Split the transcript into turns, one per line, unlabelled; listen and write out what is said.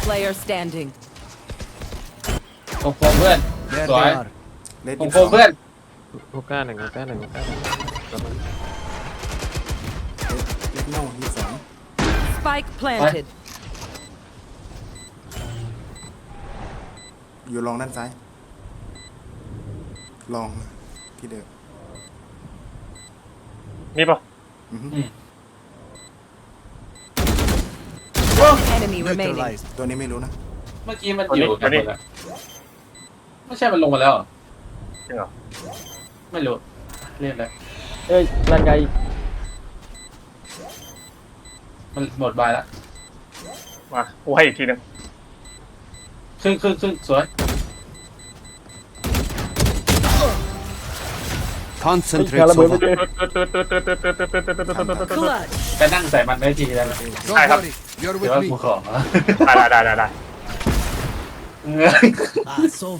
player standing.
โคมเพื่อน
There
สวย
they are.
เลด
โคมเพื่อน
ฮูก้าหนึ่งฮูก้าหนึ่งฮูก้าหนึ่ง
เลดเน่า22
Spike planted.
อยู่ลองด้านซ้ายลองที่เดิม
นี่ปะ
Enemy remaining.
Neutralized.
ตัวนี้ไม่รู้นะ
เมื่อกี้มันอยู่กันหมดแล้วไม่ใช่มันลงมาแล้วเหรอ
จริงเหรอ
ไม่รู้เรียกเลย
เอ้ยนั่นไง
มันหมดบายแล้ว
มากูให้อีกทีหนึง
ครึ่งสวย
Concentrate,
การระเบิดไม่
Sova.
เจอ
Clutch.
ไปนั่งใส่มันได้ทีแล้ว
Don't
I have-
worry, you're
เดี๋ยว
with
ว่า
me.
กูขอ
ได้
Ah, so